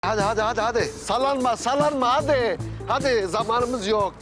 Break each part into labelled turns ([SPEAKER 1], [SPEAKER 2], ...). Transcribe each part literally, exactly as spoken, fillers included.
[SPEAKER 1] Hadi hadi hadi hadi. Sallanma sallanma hadi. Hadi zamanımız yok.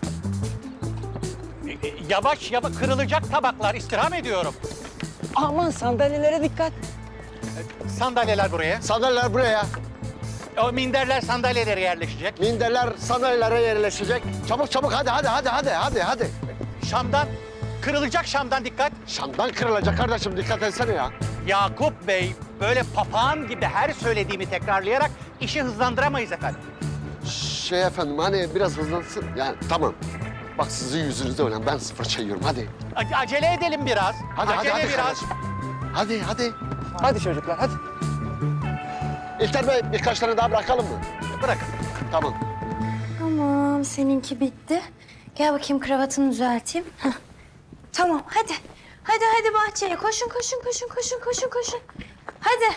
[SPEAKER 2] Yavaş yavaş kırılacak tabaklar, istirham ediyorum.
[SPEAKER 3] Aman sandalyelere dikkat.
[SPEAKER 2] Sandalyeler buraya.
[SPEAKER 1] Sandalyeler buraya.
[SPEAKER 2] O minderler sandalyelere yerleşecek.
[SPEAKER 1] Minderler sandalyelere yerleşecek. Çabuk çabuk hadi hadi hadi hadi hadi hadi.
[SPEAKER 2] Şam'dan, kırılacak Şam'dan dikkat.
[SPEAKER 1] Şam'dan kırılacak kardeşim dikkat etsene ya.
[SPEAKER 2] Yakup Bey böyle papağan gibi her söylediğimi tekrarlayarak işi hızlandıramayız efendim.
[SPEAKER 1] Şey efendim hani biraz hızlansın. Yani tamam. Bak sizin yüzünüzde öyle ben sıfır çekiyorum hadi.
[SPEAKER 2] A- acele edelim biraz.
[SPEAKER 1] Hadi
[SPEAKER 2] acele
[SPEAKER 1] hadi hadi
[SPEAKER 2] biraz.
[SPEAKER 1] kardeşim. Hadi hadi.
[SPEAKER 3] Hadi çocuklar hadi.
[SPEAKER 1] İlter Bey birkaç tane daha bırakalım mı?
[SPEAKER 2] Bırakın.
[SPEAKER 1] Tamam.
[SPEAKER 4] Tamam, seninki bitti. Gel bakayım kravatını düzelteyim. Heh. Tamam, hadi. Hadi hadi bahçeye. Koşun, koşun, koşun, koşun, koşun, koşun. Hadi.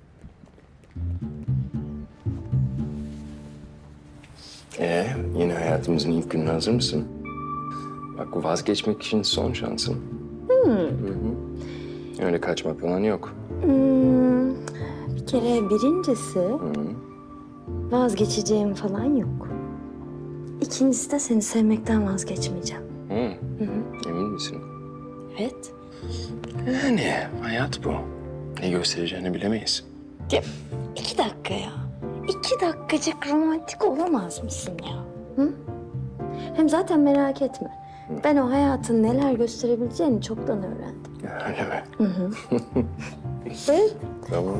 [SPEAKER 5] Ee, yeni hayatımızın ilk gününe hazır mısın? Bak vazgeçmek için son şansın. Hmm. Hı hı. Öyle kaçmak falan yok.
[SPEAKER 4] Hmm, bir kere birincisi vazgeçeceğim falan yok. İkincisi de seni sevmekten vazgeçmeyeceğim.
[SPEAKER 5] Hı. Hı hı. Emin misin?
[SPEAKER 4] Evet.
[SPEAKER 5] Yani hayat bu. Ne göstereceğini bilemeyiz.
[SPEAKER 4] Ya, iki dakika ya. İki dakikacık romantik olamaz mısın ya? Hı? Hem zaten merak etme. Ben o hayatın neler gösterebileceğini çoktan öğrendim.
[SPEAKER 5] Öyle mi?
[SPEAKER 4] Evet.
[SPEAKER 5] Tamam.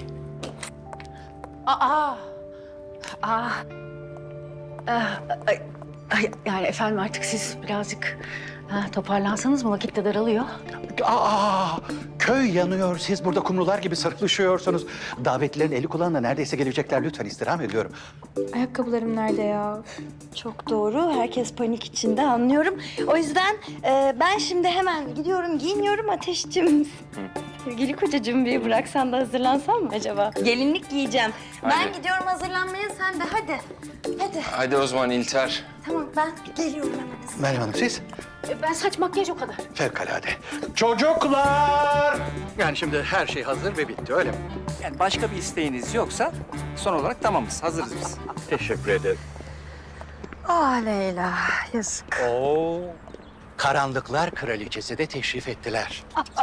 [SPEAKER 3] Aa. Aa. Ah, ay, ay, yani efendim artık siz birazcık ha, toparlansanız mı? Vakit de daralıyor.
[SPEAKER 2] Aa, köy yanıyor. Siz burada kumrular gibi sırtlaşıyorsunuz. Davetlilerin eli kulağında neredeyse gelecekler. Lütfen istirham ediyorum.
[SPEAKER 4] Ayakkabılarım nerede ya? Çok doğru. Herkes panik içinde anlıyorum. O yüzden e, ben şimdi hemen gidiyorum, giyiniyorum Ateşciğim. Sevgili kocacığım bir bıraksan da hazırlansam mı acaba? Gelinlik giyeceğim. Ben
[SPEAKER 5] Hadi.
[SPEAKER 4] gidiyorum hazırlanmaya, sen de hadi. Hadi.
[SPEAKER 5] Hadi o zaman İlter.
[SPEAKER 4] Tamam ben geliyorum hemen.
[SPEAKER 2] Meryem Hanım siz?
[SPEAKER 3] E, Ben saç makyaj o kadar.
[SPEAKER 2] Fevkalade. Çocuklar! Yani şimdi her şey hazır ve bitti öyle mi?
[SPEAKER 6] Yani başka bir isteğiniz yoksa son olarak tamamız, hazırız biz.
[SPEAKER 2] Teşekkür ederim.
[SPEAKER 4] Ah Leyla, yazık.
[SPEAKER 2] Oo, karanlıklar kraliçesi de teşrif ettiler.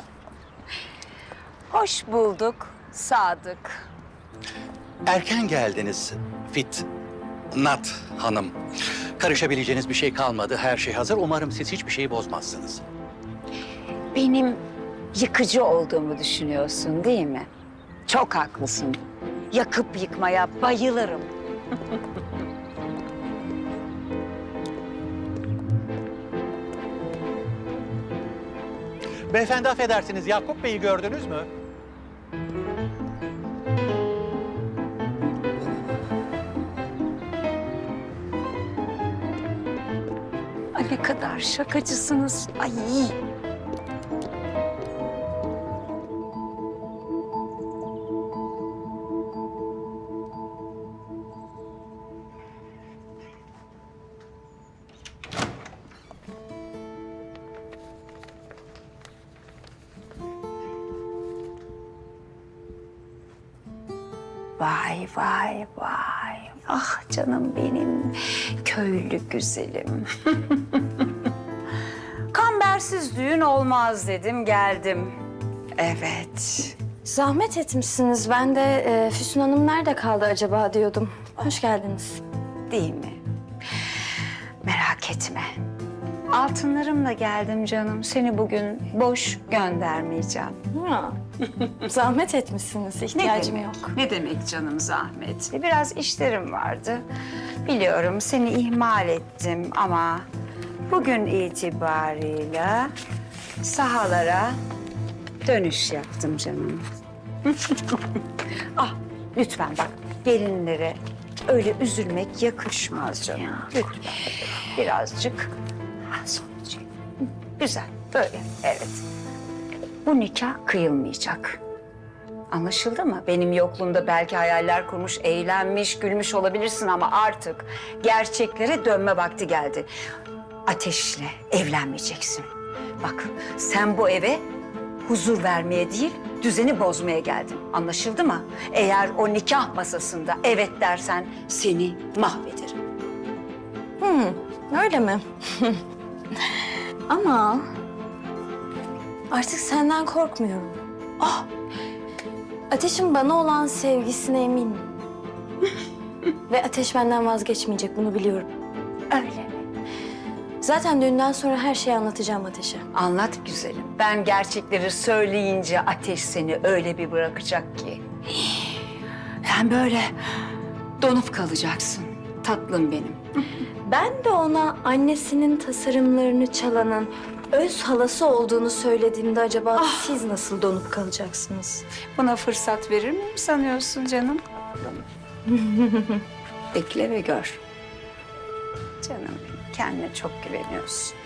[SPEAKER 7] Hoş bulduk Sadık.
[SPEAKER 2] Erken geldiniz Fit Nat Hanım. Karışabileceğiniz bir şey kalmadı. Her şey hazır. Umarım siz hiçbir şeyi bozmazsınız.
[SPEAKER 7] Benim yıkıcı olduğumu düşünüyorsun değil mi? Çok haklısın. Yakıp yıkmaya bayılırım.
[SPEAKER 2] Beyefendi affedersiniz. Yakup Bey'i gördünüz mü?
[SPEAKER 7] Ay ne kadar şakacısınız. Ay. Vay vay vay. Ah canım benim köylü güzelim. Kambersiz düğün olmaz dedim geldim. Evet.
[SPEAKER 4] Zahmet etmişsiniz. Ben de e, Füsun Hanım nerede kaldı acaba diyordum. Hoş geldiniz.
[SPEAKER 7] Değil mi? Merak etme. Altınlarımla geldim canım. Seni bugün boş göndermeyeceğim.
[SPEAKER 4] Ha. Zahmet etmişsiniz. İhtiyacım
[SPEAKER 7] demek?
[SPEAKER 4] yok.
[SPEAKER 7] Ne demek canım zahmet? Biraz işlerim vardı. Biliyorum seni ihmal ettim ama bugün itibarıyla sahalara dönüş yaptım canım. Ah lütfen bak gelinlere öyle üzülmek yakışmaz canım. Lütfen birazcık ah, sonucu. Güzel böyle evet. Bu nikah kıyılmayacak. Anlaşıldı mı? Benim yokluğumda belki hayaller kurmuş, eğlenmiş, gülmüş olabilirsin ama artık gerçeklere dönme vakti geldi. Ateşle evlenmeyeceksin. Bak sen bu eve huzur vermeye değil, düzeni bozmaya geldin. Anlaşıldı mı? Eğer o nikah masasında evet dersen seni mahvederim.
[SPEAKER 4] Hmm, öyle mi? Ama artık senden korkmuyorum. Ah, Ateş'in bana olan sevgisine eminim. Ve Ateş benden vazgeçmeyecek, bunu biliyorum.
[SPEAKER 7] Öyle mi?
[SPEAKER 4] Zaten düğünden sonra her şeyi anlatacağım Ateş'e.
[SPEAKER 7] Anlat güzelim. Ben gerçekleri söyleyince Ateş seni öyle bir bırakacak ki. Sen böyle donup kalacaksın. Tatlım benim.
[SPEAKER 4] Ben de ona annesinin tasarımlarını çalanın öz halası olduğunu söylediğimde acaba siz nasıl donup kalacaksınız?
[SPEAKER 7] Buna fırsat verir miyim sanıyorsun canım? Bekle ve gör. Canım benim, kendine çok güveniyorsun.